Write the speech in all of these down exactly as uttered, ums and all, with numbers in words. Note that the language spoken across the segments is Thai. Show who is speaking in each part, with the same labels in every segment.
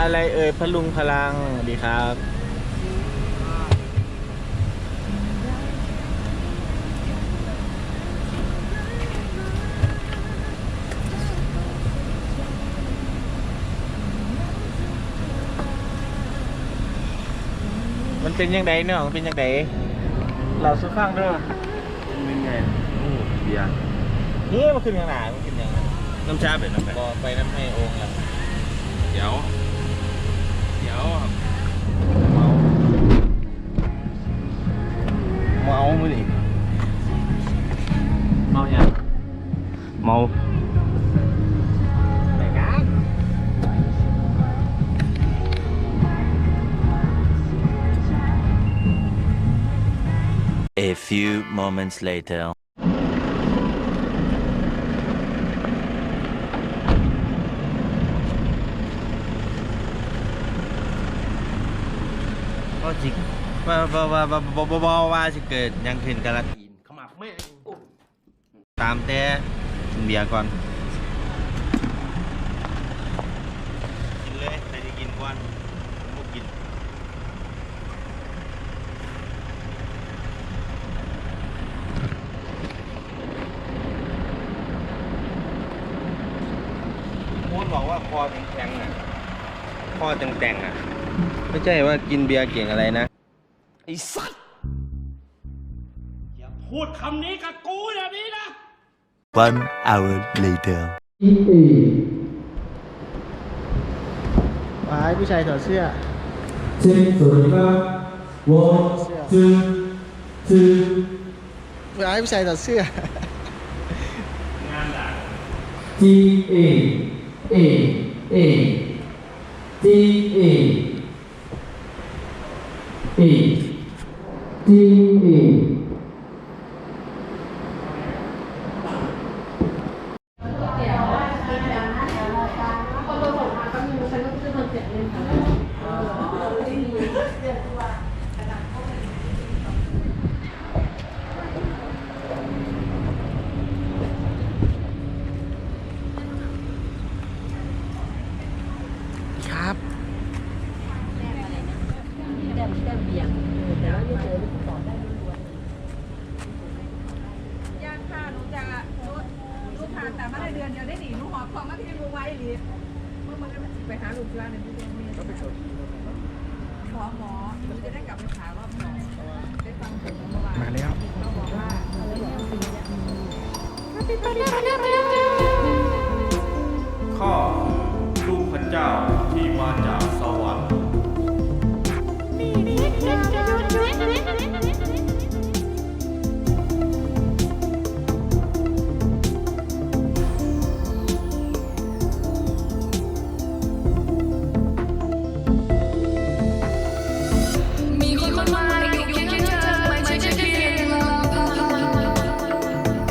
Speaker 1: อะไรเอ่ยพลุงพลังดีครับมันเป็นยังไงเนาะมันเป็นยังไงเราสู้ฟังด้วย
Speaker 2: เป็นไงโอ้เบียร์
Speaker 1: นี่มันขึ้นยังไงมันขึ้นยังไง
Speaker 2: น้ำชาเป็นน้ำแบบ
Speaker 1: ก็ไปน้ำให้องค์ละ
Speaker 2: เดี๋ยวเดี๋ยว
Speaker 1: เมาเมามือดิเมาอย่าง
Speaker 2: เมา
Speaker 1: แต่กัน
Speaker 3: A few moments later.
Speaker 2: ก็จริงว่าว่าว่าว่าว่าว่าว่าจะเกิดยังขึ้นกันละทีนเข้ามาไม่ตามแต่กินเบียร์ก่อนกินเลยใครจะกินก่อนมุกกินพูดบอกว่าคอแข็งๆอ่ะคอแต่งๆอ่ะไม่ใช่ว่ากินเบียร์เก่งอะไรนะไอ้สัตว์อย่าพูดคำนี้กับกูอย่างนี้นะ
Speaker 3: One hour later.
Speaker 1: ว้ายผู้ชายถอดเสื้อ
Speaker 4: เช็คสวัสดีครับวอจื้อจื้อ
Speaker 1: ว้ายผู้ชายถอดเสื้อ
Speaker 4: G A A A G A A G A
Speaker 1: ครับ
Speaker 5: ย่างค่ะหนูจะหนูหนูผ่านแต่มาได้เดือนเดียวได้หนีหนูหอบของมาที่มูไว้หรือเมื่อมันไปหาลูกที่บ้านในพี่เลี้ยงเมียก็ไปชมหมอหมอหนูจะได้กลับไปหารอบสองได้ฟังผลเมื่อวาน
Speaker 1: มาแล้ว
Speaker 5: เขาบอกว่า
Speaker 2: ข้อลูกพระเจ้าที่มาจากสวรรค์
Speaker 6: มีคนมากมายอยู่เคียงข้างเธอไม่ใช่แค่เพียงลำพัง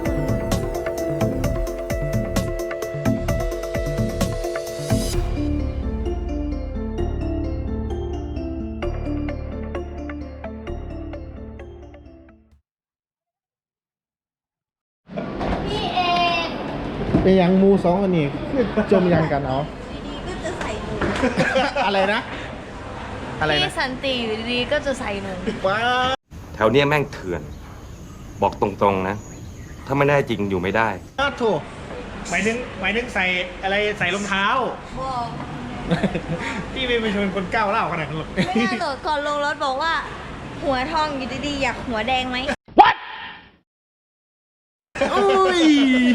Speaker 7: พี่เอก
Speaker 1: เป็นยังมูสองอันนี้คือจมยังกันเอา
Speaker 7: ดีๆก็จะใส่หนู
Speaker 1: อะไรนะ อะไรนะ
Speaker 7: พี่สันติอยู่ดีๆก็จะใส่หนู
Speaker 1: ว้า
Speaker 8: แถวเนี้ยแม่งเถื่อน บอกตรงๆนะ ถ้าไม่ได้จริงอยู่ไม่ได้
Speaker 1: วถูกหมายถึงหมายถึงใส่อะไรใส่รองเท้า
Speaker 7: บอก
Speaker 1: พี่ไม่เป็นคนคนก้าวเล่าขนาดนั้นหรอก
Speaker 7: ไม่น่าโดดก่อนลงรถบอกว่า หัวทองอยู่ดีๆอยากหัวแดงไหม
Speaker 1: อุ้ย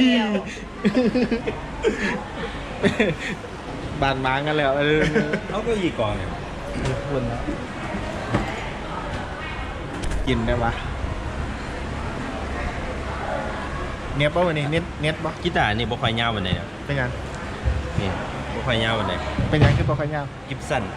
Speaker 1: บานม้างกันแล้วเออ
Speaker 2: เขาก็ยีกองเนี่ย
Speaker 1: คุณนะกินได้ปะเน็ตป่ะวันนี้เน็ตเน็ตป่ะ
Speaker 2: กีตาร์นี่บ่ค่อยยาววันไหนนะ
Speaker 1: เป็นยัง
Speaker 2: นี่บ่ค่อยยาววันไหน
Speaker 1: เป็นยังคือปอขยาว
Speaker 2: กิฟสัน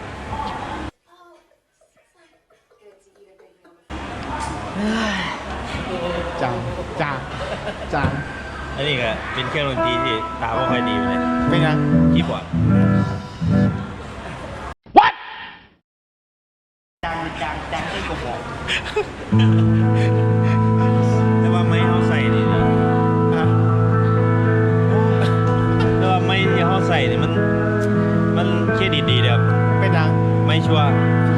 Speaker 1: จางจางจาง
Speaker 2: อันนี้ก็เป็นเครื่องดนตรีที่ตาบ่ค่อยดีเลย
Speaker 1: เป็นยัง
Speaker 2: คีย์บอร์ด
Speaker 1: จางจางจางได้กระบอก
Speaker 2: แต่ว่าไม่เอาใส่นี่นะ
Speaker 1: ฮะ
Speaker 2: แต่ว่าไม่ที่เขาใส่นี่มันมันเครดิตดีเลยครับชัวร์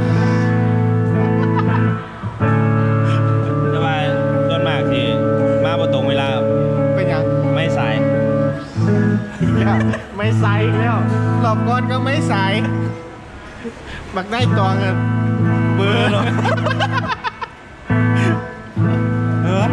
Speaker 2: จะมาต้นมากที่มาประตรงเวลา
Speaker 1: เป็นยัง
Speaker 2: ไม่สาย
Speaker 1: ไม่ใส่อีกแล้วหลบก่อนก็ไม่ใส่บักได้ตวงอะเบอร์เนาะเออ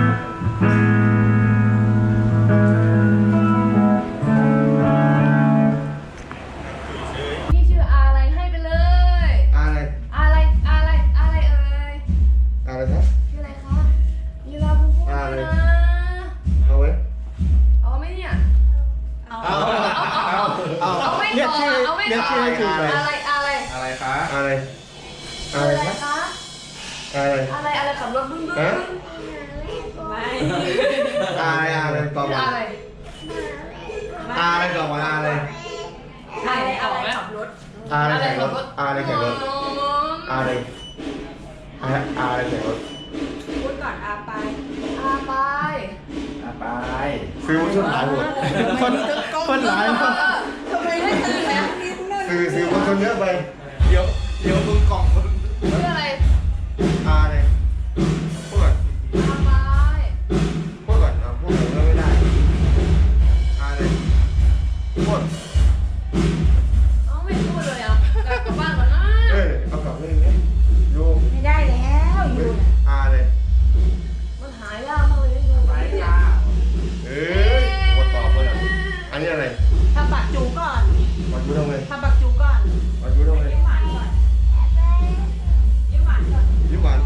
Speaker 5: นี่ชื่ออะไรให้ไปเลย
Speaker 1: อะไร
Speaker 5: อะไรอะไรอะไรเอ่ย
Speaker 1: อะไรครับ
Speaker 5: ชื่ออะไรคะยีราบูบู
Speaker 1: อะไร
Speaker 5: นะ
Speaker 1: เอาไว้
Speaker 5: เอาไหมเนี่ย
Speaker 7: เอา
Speaker 1: เอาเอาเอา
Speaker 5: เอาไม่
Speaker 1: เรียก
Speaker 5: ต่อ
Speaker 1: ชื่อ
Speaker 5: เอาไม่
Speaker 1: เรียก
Speaker 5: ต่อ
Speaker 1: ชื่อให้ถูกเลย
Speaker 5: อะไรอะไร
Speaker 2: อะไรคะ
Speaker 1: อะไร
Speaker 5: อะ
Speaker 1: อะไร
Speaker 5: ไร
Speaker 1: ครับ
Speaker 5: คะ
Speaker 1: อะไร
Speaker 5: อะไรอะไรขับรถบึ้งบึ้ง
Speaker 1: ฮะ
Speaker 5: ไม่
Speaker 1: อะไรอะไรตอบ
Speaker 5: ชื่อ
Speaker 1: มา
Speaker 5: อะไร
Speaker 1: อะไรตอบมาอะไร
Speaker 5: ไม่เอาไหมขับรถ
Speaker 1: อะไรแข่งรถอะไรแข่งรถ
Speaker 5: อืม
Speaker 1: อะไรอะไรอะไรแข่งรถ
Speaker 5: พูดก่อนอาไปอาไป
Speaker 2: ไป
Speaker 1: ซื้อมาชุดหลายหมดคนคนหลายมาก
Speaker 5: ทำไมไม่ตื่นแล้วนิดนึง
Speaker 1: ซื้อซื้อมาคนเยอะไปเดี๋ยวเดี๋ยวมึงกล่องคน
Speaker 5: ชื่ออะไร
Speaker 1: อะไรพูดก่อน
Speaker 5: อาไป
Speaker 1: พูดก่อนอ่ะพูดก่อนก็ไม่ได้อะไรพูด
Speaker 5: เอาไม่พูดเลยอ่ะกลับกลับบ้านก่อนนะ
Speaker 1: เอ้ยเอากลับเลยเนี่ยโยม
Speaker 7: ไม่ได้แล้วอยู่น่ะ
Speaker 1: อะไร
Speaker 5: มันหายากมากเลยนะอยู่เนี่ย
Speaker 1: เอ้ยกดตอบเลยอ่ะอันนี้อะไร
Speaker 7: ทำบักจูก่อน
Speaker 1: มาดูทำไม
Speaker 7: ทำบักจูก่อน
Speaker 1: มาดูทำไม
Speaker 7: ยิ้มหวานก่อนยิ้มหวานก่อน
Speaker 1: ยิ้มหวาน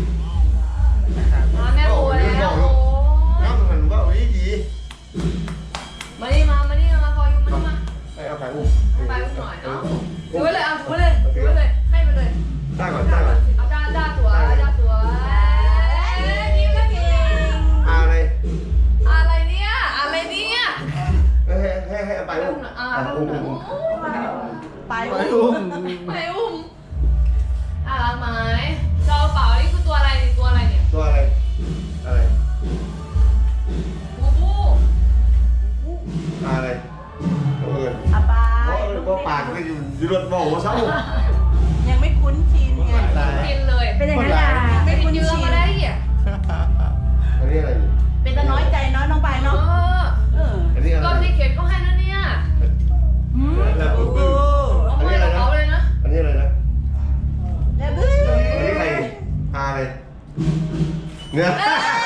Speaker 5: มาแม่โวยแล้วโอ้ย
Speaker 1: น้ำมันว่าเอาดีดี
Speaker 5: มานี่มามานี่มาพอยุ่งมานี่มา
Speaker 1: ไอ้เอาไปอุ้ม
Speaker 5: ไปอุ้มหน่อยเอ้าถือไว้เลยเอาถือไว้เลยถือไว้เลยให้ไปเลย
Speaker 1: ได้ก่อนได้ก่อน
Speaker 5: เอาด้าด้าตัวด้าตัวเอ้ยยิ้มแล้วเก่ง
Speaker 1: อะไร
Speaker 5: อะไรเนี่ยอะไรเนี่ย
Speaker 1: ให้ให้ให้เอาไป
Speaker 5: ไป
Speaker 1: อุ้
Speaker 5: อุ้
Speaker 1: ม
Speaker 5: มหน่อยอ่า
Speaker 1: อ่ะ
Speaker 5: ไป
Speaker 1: อุ้
Speaker 5: อุ้
Speaker 1: ม
Speaker 5: มหน่
Speaker 1: อุ้
Speaker 5: อย
Speaker 1: ม
Speaker 7: ไป
Speaker 1: ไปอุ้ม
Speaker 5: ไปอุ้มอ่ารักไหมจอเปล่านี่คือตัวอะไรเนี่ยตัวอะไรเนี่ย
Speaker 1: ตัวอะไรอะไร
Speaker 5: บูบู
Speaker 1: อะไรตัวอื่น
Speaker 7: อาไป
Speaker 1: เพราะปากก็อยู่อยู่รถบอกว่าเศร้า
Speaker 7: ยังไม่คุ้นชินไง
Speaker 5: กินเลย
Speaker 7: เป็นอย่างนั้นแหละ
Speaker 5: ไม่
Speaker 7: ไม่
Speaker 5: กิ
Speaker 7: คุ้
Speaker 5: น
Speaker 7: น
Speaker 5: เยอะ
Speaker 7: ชิน
Speaker 5: มาได้อ่ะ
Speaker 1: อันนี้อะไรอยู่
Speaker 7: เป็นแต่น้อยใจเนาะน้องไป
Speaker 5: เอ
Speaker 7: เนาะ
Speaker 5: อ
Speaker 7: เออ
Speaker 1: อันนี้อะไร
Speaker 5: ก็ที่เข็นก็ให้นะเนี่ย
Speaker 7: หืม
Speaker 1: แล้ว
Speaker 7: เอ
Speaker 1: บึ้ง
Speaker 7: อ
Speaker 5: เอาไปกับเขาเลยนะ
Speaker 1: อันนี้อะไรนะ
Speaker 7: แล้วบึ้ง
Speaker 1: อันนี้ใครอะไรเนื้อ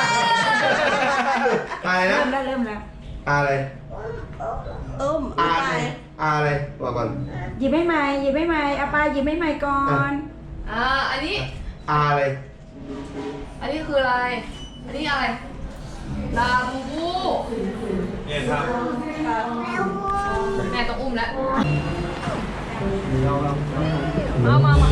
Speaker 1: อะไรนะ
Speaker 7: เริ่มแล้วเริ่มแล้ว
Speaker 1: อะไร
Speaker 7: เอิ่ม
Speaker 1: อะ
Speaker 7: อา
Speaker 1: ไร
Speaker 7: ไป
Speaker 1: อะไรบอกก่อน
Speaker 7: หยิบให้ใหม่หยิบให้ใหม่อาไปหยิบให้ใหม่ก่อน
Speaker 5: อ่าอันนี้
Speaker 1: อะไร
Speaker 5: อันนี้คืออะไร อันนี้อะไรลาบูบู
Speaker 2: เนี่ยครับ
Speaker 5: แม่ต้องอุ้มแล้ว
Speaker 1: เราเรา
Speaker 5: มามามา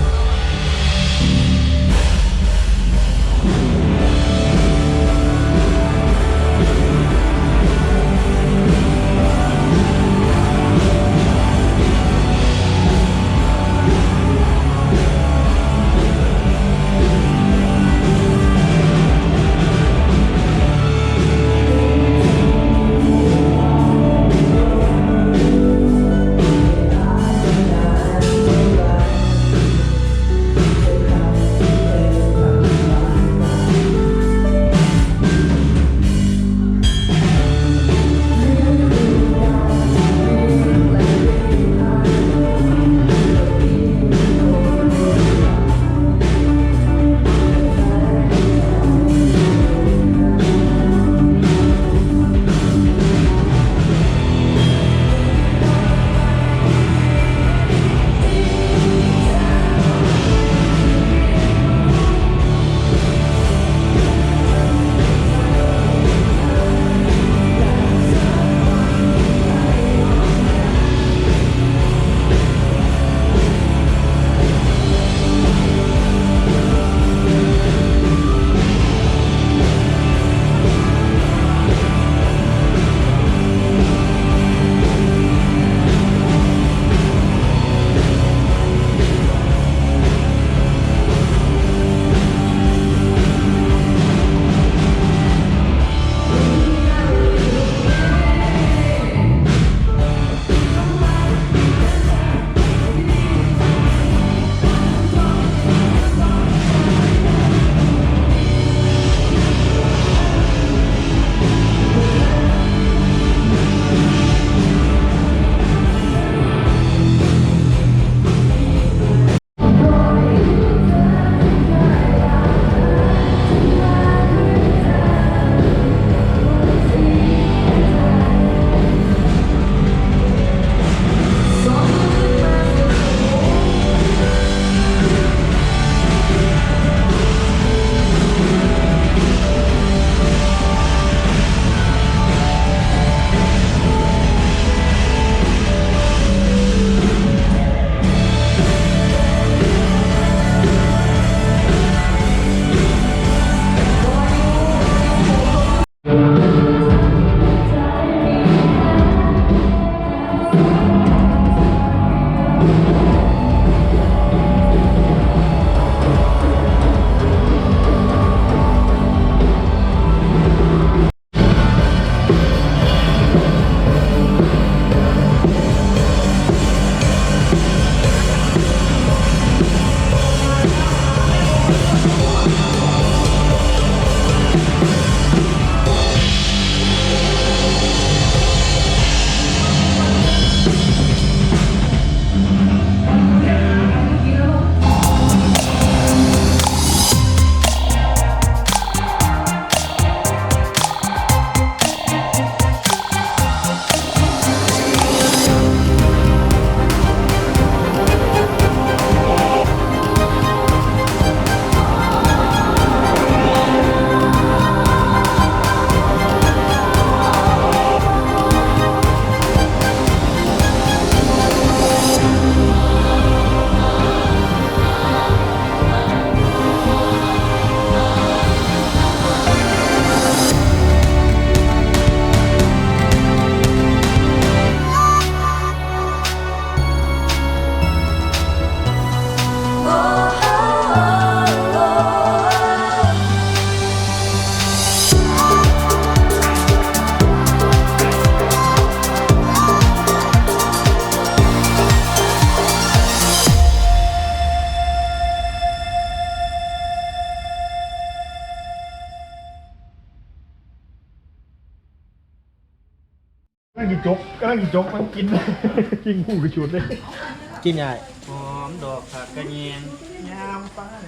Speaker 1: จกกำลังจกมันกินยิงหูกระชุดเลยกินไง
Speaker 2: หอมดอกผักกระเนียง
Speaker 1: ยามฟ้า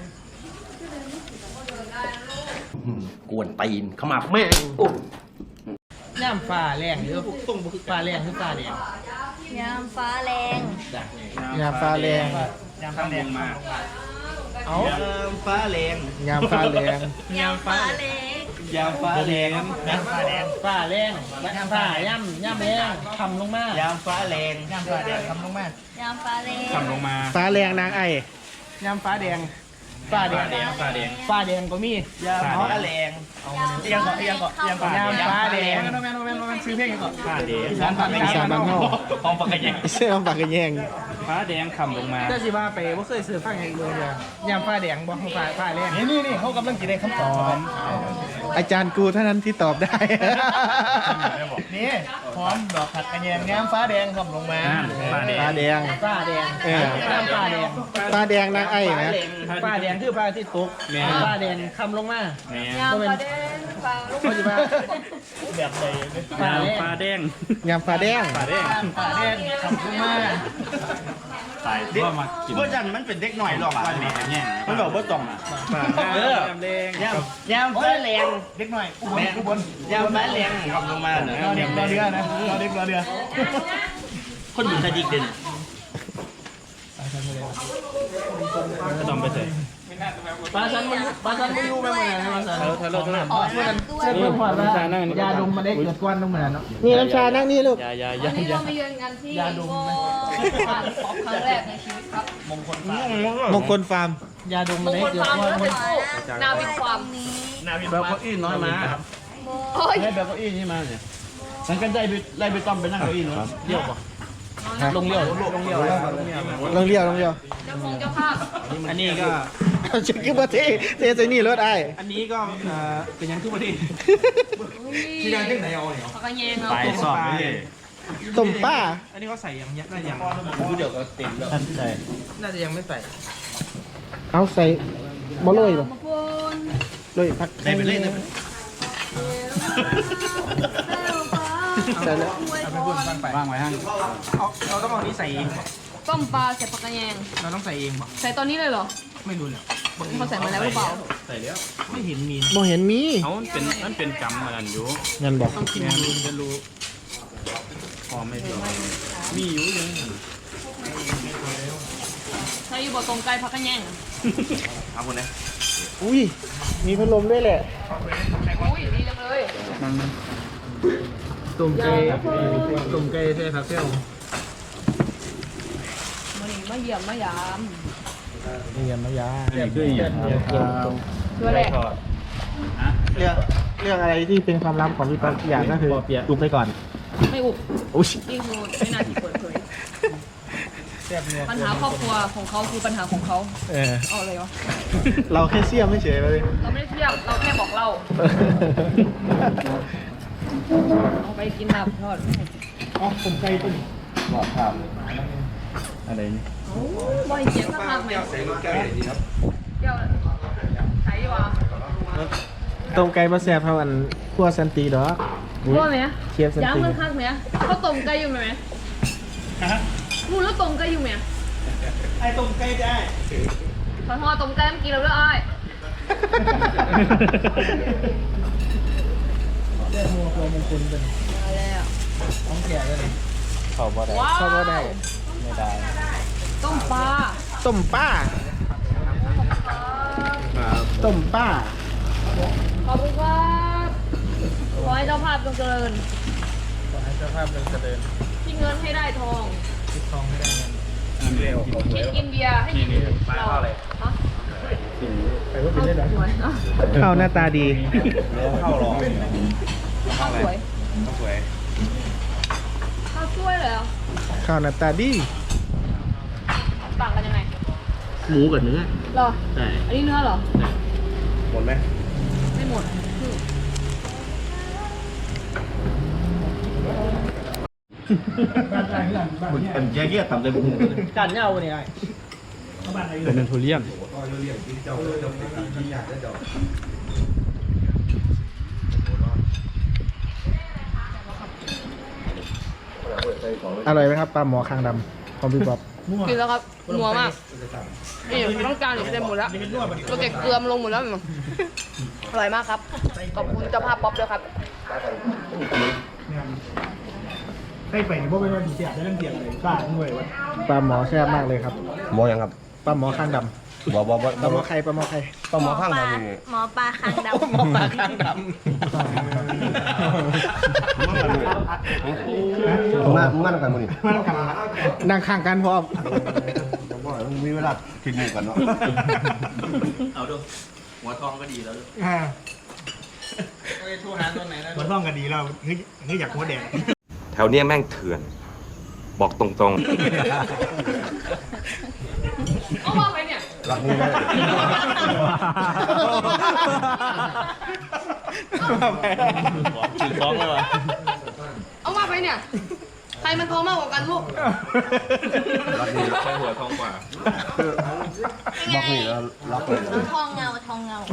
Speaker 2: กวนตีนขมับแม่งโอ้
Speaker 1: ย่ามฟ้าแรงหรือต้องฟ้าแรงหรือฟ้าแดง
Speaker 7: ยามฟ้าแรง
Speaker 1: ยามฟ้าแรง
Speaker 2: ยามฟ้าแรงมา
Speaker 1: เอา
Speaker 2: ยามฟ้าแรง
Speaker 1: ยามฟ้าแรง
Speaker 7: ยามฟ้าแรง
Speaker 2: ยามฟ้าแรง
Speaker 1: ยามฟ้าแรงฟ้าแรงยามฟ้าย่ำย่ำแรงทำลงมาย
Speaker 2: ามฟ้าแรง
Speaker 1: ยามฟ้าแดงทำลงมาย
Speaker 7: ามฟ้าแรง
Speaker 2: ทำลงมา
Speaker 1: ฟ้าแรงนางไอ้ยามฟ้าแดงฟ้าแดง
Speaker 2: ฟ้าแดง
Speaker 1: ฟ้าแดงก็มียามฟ้าแรง
Speaker 2: เอียงก่อนเอียงก่อนเอียงก่อน
Speaker 1: ยามฟ้าแดงแม่นแม่นแม่นแม่นซื้อเพลงก่อน
Speaker 2: ฟ้าแดง
Speaker 1: อีสานบ้านอีสานบ้านเฮา
Speaker 2: หอมปากกระเนียง
Speaker 1: เสื้อปากกระแยง
Speaker 2: ฟ้าแดงคำลงมา
Speaker 1: แต่สิว่าไปบ่เคยซื้อฟังอย่างเดียวเลยยามฟ้าแดงบ่ฟ้าฟ้าแรงนี่นี่นี่เขากำลังจะได้คำตอบอาจารย์กูเท่านั้นที่ตอบได้นี่พร้อมดอกผัดกระแยงยามฟ้าแดงคำลงมาฟ้าแดงฟ้าแดงฟ้าแดงเออยามฟ้าแดงฟ้าแดงนางไอ้นะฟ้าแดงคือฟ้าที่ตกฟ้าแดงคำลงมาย
Speaker 5: ามฟ้าแดงฟ้าลูก
Speaker 1: เขาจะว่าแบบใดฟ้าแดงยามฟ้าแดงฟ้าแดงฟ้าแดงคำลงมา
Speaker 2: ตายว่ามากินเพื่อนจันมันเป็นเด็กหน่อยหรอกวันนี้เนี่ยมันบอกว่าต้องอ่ะเออยามแดงยามยามฟ้าแรงเด็กหน่อยอุบลอุบลยามฟ้าแรงคำลงมาเนอะเด็กรอเรือนะรอเด็กรอเรือคนอยู่ทะดิกเด่นต้องไปเถอะ
Speaker 1: ปลาชันมันปลาชันไม่อยู่ไปหมดเลยปลาชัน
Speaker 2: เออเธอเลิกเธอเลิก
Speaker 7: ออกมาด้วย
Speaker 1: เชื่อเพื่อนพอดว่ายาดมมันได้เกิดก้อนต้องเหมือนเนาะนี่น้ำชานั่งนี่ลูก
Speaker 2: ยายา
Speaker 5: วัน
Speaker 2: ยา
Speaker 5: นี้
Speaker 2: ยา
Speaker 5: เรามาเยือนกันที่โบผ่านป๊อปครั้งแรกในชีวิตครับ
Speaker 1: มงคลฟาร์มยาดม
Speaker 5: ม
Speaker 1: มัน
Speaker 5: ง
Speaker 1: ได้
Speaker 5: คล
Speaker 1: เกิด
Speaker 5: ฟาร์ม
Speaker 1: ก้อน
Speaker 5: แล้วเป็นโอ้นาวินฟาร์ม
Speaker 7: นี้
Speaker 2: นาวินแบบเก้าอี้น้อยมา
Speaker 5: โอ้ย
Speaker 2: ให้แบบเก้าอี้นี่มาเนี่ยฉันกันได้ไปไล่ไปต้อมไปนั่งเก้าอี้นู้นเลี้ยวป่ะลงเลี้ยวลงเลี้ยว
Speaker 1: ลงเลี้ยวลงเลี้ยว
Speaker 5: เจ้าของเจ้าภาพ
Speaker 2: อันนี้ก็
Speaker 1: เช็คคือประเทศเทใส่นี่รถไอ้
Speaker 2: อันนี้ก็เป็นยังทุกประเทศ
Speaker 5: ที่ดังที่ไหนเอาเนี่ยเขาก็แยงเรา
Speaker 2: ไปสอบเลย
Speaker 1: ต้มป้า
Speaker 2: อันนี้เขาใส่ยังยักษ์ได้ยังดูเดี๋ยวก็เต็มแล้วใช่น่าจะยังไม่ใส่
Speaker 1: เอาใส่บ่เลยหรอ
Speaker 5: มาปน
Speaker 1: เลยพัก
Speaker 2: ใส่ไปเลยนะ
Speaker 1: ใส่แล้ว
Speaker 2: เอาไปพูดบ้างไปว่างไว้ห้างเอาเราต้องเอานี้ใส่เอง
Speaker 5: ต้มปลาใส่ผักกระแยง
Speaker 2: เราต้องใส่เองป่ะ
Speaker 5: ใส่ตอนนี้เลยเหรอ
Speaker 2: ไม่รู้เลย
Speaker 5: เขาใส่มาแล้วหรือเปล่า
Speaker 2: ใส่แล้วไม่เห็นมี
Speaker 1: บ่เห็นมี
Speaker 8: เขาเป็นมันเป็นกรรมมันอยู่
Speaker 1: งั้นบอก
Speaker 2: ต้องกินดูจะรู้พอไม่พอมีอยู่ยัง
Speaker 5: ใส่อยู่บ่ตรงไก่ผักกระแยง
Speaker 2: เอาคนนี้
Speaker 1: อุ้ยมีพัดลมด้วยแหละ
Speaker 5: อุ้ยดีจังเลย
Speaker 1: ต้มไก่ต้มไก่ใส่ผักเปรี้ยว
Speaker 5: มานี่มาเยี่ยมมายาม
Speaker 1: เยี่ยมมายา
Speaker 2: นี่คืออย่าง
Speaker 5: ด้วยแหละ
Speaker 1: เรื่องเรื่องอะไรที่เป็นความลับของพี่ป๊อกอย่างก็คืออุบไปก่อน
Speaker 5: ไม่อุบ
Speaker 1: อุ้ย
Speaker 5: นี่คือไม่น่าที่เปิดเผย
Speaker 1: แซ่บเนี่ย
Speaker 5: ปัญหาครอบครัวของเขาคือปัญหาของเขา
Speaker 1: เออ
Speaker 5: เอาเลยวะ
Speaker 1: เราแค่เสี้ยมไม่เฉยเลย
Speaker 5: เราไม่ได้เทียบเราแค่บอกเล่าเอาไปกินลาบทอด
Speaker 1: อ๋อผมไก่ต้ม
Speaker 2: อะไรนี่
Speaker 5: ว่าเสียงข้างๆไหมเจ้าใช้วะ
Speaker 1: ต้มไก่มาแซ่บเท่าอันขั้วสันติดอก
Speaker 5: ว่าไหม
Speaker 1: เชียบสัน
Speaker 5: ย้ำ
Speaker 1: ติ
Speaker 5: มันข้างไหมเขาต้มไก่อยู่ไหมมูแล้วต้มไก่อยู่ไหม
Speaker 1: ไอ้ต้มไก่ได้
Speaker 5: ขอโทษต้มไก่เมื่อกี้เราเลือกอ้อย
Speaker 1: เรื่องมัวตัวมงคลเป็น
Speaker 5: มาแล้ว
Speaker 1: ของแก่เลย
Speaker 2: เขาบ่ได้
Speaker 5: ว้าว
Speaker 1: เข้าก็ได้
Speaker 2: ไม่ได้
Speaker 5: ต้มปลา
Speaker 1: ต้มป้าต้มป้า
Speaker 5: ขอบคุณครับขอให้เจ้าภาพจงเจริญ
Speaker 1: ขอให้เจ้าภาพเป็นเจริญ
Speaker 5: ที่เงินให้ได้ทอง
Speaker 1: คิดทองให้ได้เงิน
Speaker 2: เร็ว
Speaker 5: คิดกินเบียร์ให้กินเราฮะ
Speaker 1: ไปว่าเป็นได้เหรอ
Speaker 5: สวยอ่ะ
Speaker 1: ข้าวหน้าตาดี
Speaker 2: เข้าหรอ
Speaker 5: ข้าวสวย
Speaker 2: เข้าสวย
Speaker 5: ข้าวสวยเลยเหรอ
Speaker 1: ข้าวหน้าตาดี
Speaker 5: ต่างกันยังไง
Speaker 2: หมูกับเนื้อ
Speaker 5: เหรอ
Speaker 2: ใช่
Speaker 5: อันนี้เนื้อเหรอ
Speaker 2: หมดไหม
Speaker 5: ไม่หมดคือ
Speaker 2: เป็นแยกแยกทำได้บุ้ง
Speaker 1: กันเงาเนี่ย
Speaker 2: เป็นทุเรียน
Speaker 1: อร่อยไหมครับปลาหมอคางดำของพี่ป๊อป
Speaker 9: กินแล้วครับนัวมากนี่ต้องการอยู่เต็มหมดแล้วเราเก็บเกลือมลงหมดแล้วอร่อยมากครับขอบคุณเจ้าภาพป๊อปด้วยครับ
Speaker 1: ให้ไปพวกเป็นวันที่เสียได้เรื่องเสียอะไรบ้าด้วยวะปลาหมอแซ่บมากเลยครับ
Speaker 2: หมอยังครับ
Speaker 1: ปลาหมอคางดำ
Speaker 2: บ่บ่บ่
Speaker 1: ปลาหมอไข่ปลาหมอไข่
Speaker 2: ปลาหมอข้างดำนี่
Speaker 7: หมอปลาคางดำ
Speaker 1: หมอปลาคางดำ
Speaker 2: มามึงงั้นกันมึงนี่
Speaker 1: นั่งข้างกันพร้อม
Speaker 2: มีเวลาคิดหนึ่งกันเนาะ
Speaker 1: เอาดูหัวทองก็ดีแล้วอ่าหัวทองก็ดีแล้วเฮ้ยเฮ้ยอยากหัวแดง
Speaker 8: แถวเนี้ยแม่งเถื่อน บอกตรงๆ
Speaker 9: เอามาไปเนี่ย
Speaker 2: รักนี่เลย
Speaker 1: ถือฟ้องเลยวะ
Speaker 9: เอามาไปเนี่ยใครมันทองมากกว่ากันลูก
Speaker 2: รักนี่ใช้หัวทองกว่าบอกนี่แล้วรักเลย
Speaker 7: ทองเงาทองเงา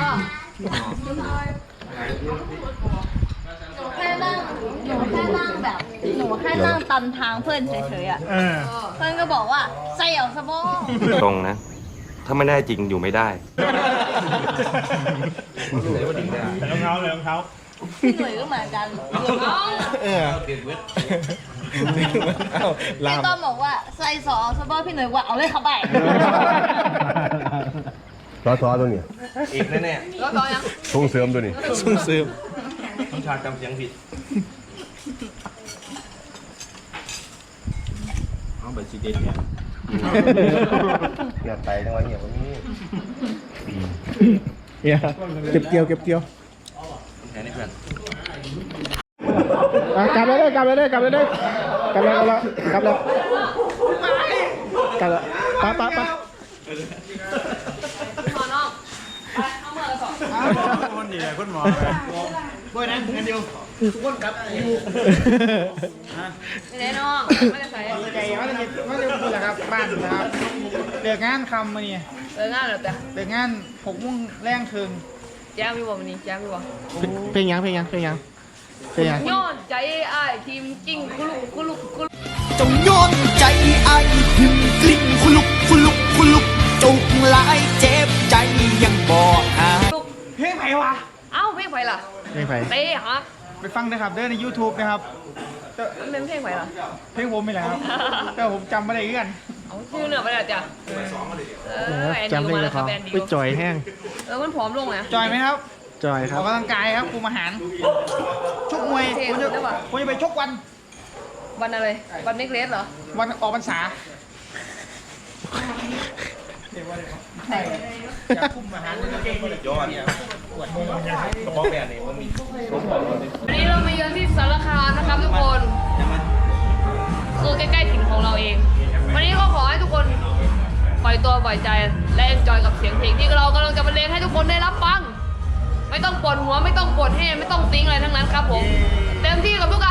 Speaker 7: หนูแค่นั่งหนูแค่นั่งแบบหนูแค่นั่งตำทางเพื่อนเฉยๆอ่ะ
Speaker 1: เออ
Speaker 7: เพื่อนก็บอกว่าใส่เอาสบอง
Speaker 8: ตรงนะ ถ้าไม่ได้จริงอยู่ไม่ได้
Speaker 1: รองเท้าเลยรองเท้า
Speaker 7: พี่หนุ่ยก็เหมือนกัน
Speaker 1: เออเอ้าลา
Speaker 7: พี่
Speaker 1: ม
Speaker 7: ต้อมบอกว่าใส่สอสบองพี่หนุ่ยว่าเอาเลยครับไป
Speaker 2: ซอซอตัวนี้
Speaker 1: อีกแน่
Speaker 9: แล้วต่อยัง
Speaker 2: ส่งเสริมตัวนี้
Speaker 1: ๆซุ่มซึม
Speaker 2: ต้องชาจำเสียงผิดเอาไปซีเด็ดเนี่ยเงียบไปทั้งวันเงียบวันนี้
Speaker 1: เนี่ยเก็บเกี่ยวเก็บเกี่ยวอ่ะกลับเลยเลยกลับเลยเลยกลับเลยเลยกลับแล้วกลับแล้วกลับแล้วกลับแล้วไปไปไป
Speaker 9: ขอน้องเอามือสอง
Speaker 1: คนดีเลยคุณหมอบ่อยนะเงินเดียวทุกคนกลับ
Speaker 9: ไม่ได้น้องไม่ได้ใส่
Speaker 1: ใจว่าจะว่าจะพูดนะครับบ้านนะครับเลิกงานคำมาเนี่ย
Speaker 9: เออง่ายเหรอแต่
Speaker 1: เลิกงานหกโมงแรงคืน
Speaker 9: แจ้งพี่บอกวันนี้แจ้งพี่บอก
Speaker 1: เพลงยังเพลงยังเพลงยังเพลงยัง
Speaker 9: ย้อนใจอ้ายทีมจริงคุลุกคุลุกคุลุก
Speaker 10: จงย้อนใจไอ้พิมกลิ้งคุลุกคุลุกคุลุกจุกหลายเจ็บใจยังบอกหา
Speaker 1: เพลงไหนวะ
Speaker 9: เอ้าเพลงไผ่ล่ะ
Speaker 1: เพลงไผ
Speaker 9: เต้ฮะ
Speaker 1: ไปฟังนะครับเด้อใน YouTube นะครับแต่
Speaker 9: มันเป็นเพลงไผ่ล่ะ
Speaker 1: เพลงผมไม่แหละครับแต่ผมจำไม่ได้เอื้อน
Speaker 9: เอาชื่อเนื้อไปแล้วจ้ะเออแอน
Speaker 1: จำ
Speaker 9: ดิว
Speaker 1: ได้
Speaker 9: มา
Speaker 1: เล
Speaker 9: แล้
Speaker 1: ยว
Speaker 9: ค
Speaker 1: ค
Speaker 9: รั
Speaker 1: รั
Speaker 9: บบ แอนดิ
Speaker 1: ไป
Speaker 9: ว
Speaker 1: จอยแห้ง
Speaker 9: เออมันผอมลงนะ
Speaker 1: จอยไหมครับ
Speaker 2: จอยค
Speaker 1: อ
Speaker 2: รั
Speaker 1: อบ กกำลังกายครับคุมอาหารชกมวย
Speaker 9: เท่
Speaker 1: ผมจะ
Speaker 9: ได้ปะ
Speaker 1: ผมจะไปชกวัน
Speaker 9: วันอะไรวันเมกเลสเหรอ
Speaker 1: วันออกพรรษาจะคุมอาหารยอดกระป๋องแบบนี้มันมี
Speaker 9: วันนี้เรามาเยือนที่สารคามนะครับทุกคนคือใกล้ๆถิ่นของเราเอง วันนี้ก็ขอให้ทุกคนปล่อยตัวปล่อยใจและเอนจอยกับเสียงเพลงที่เรากำลังจะบรรเลงให้ทุกคนได้รับฟัง ไม่ต้องปวดหัวไม่ต้องปวดแห้ไม่ต้องติ้งอะไรทั้งนั้นครับผมเต็มที่กับทุก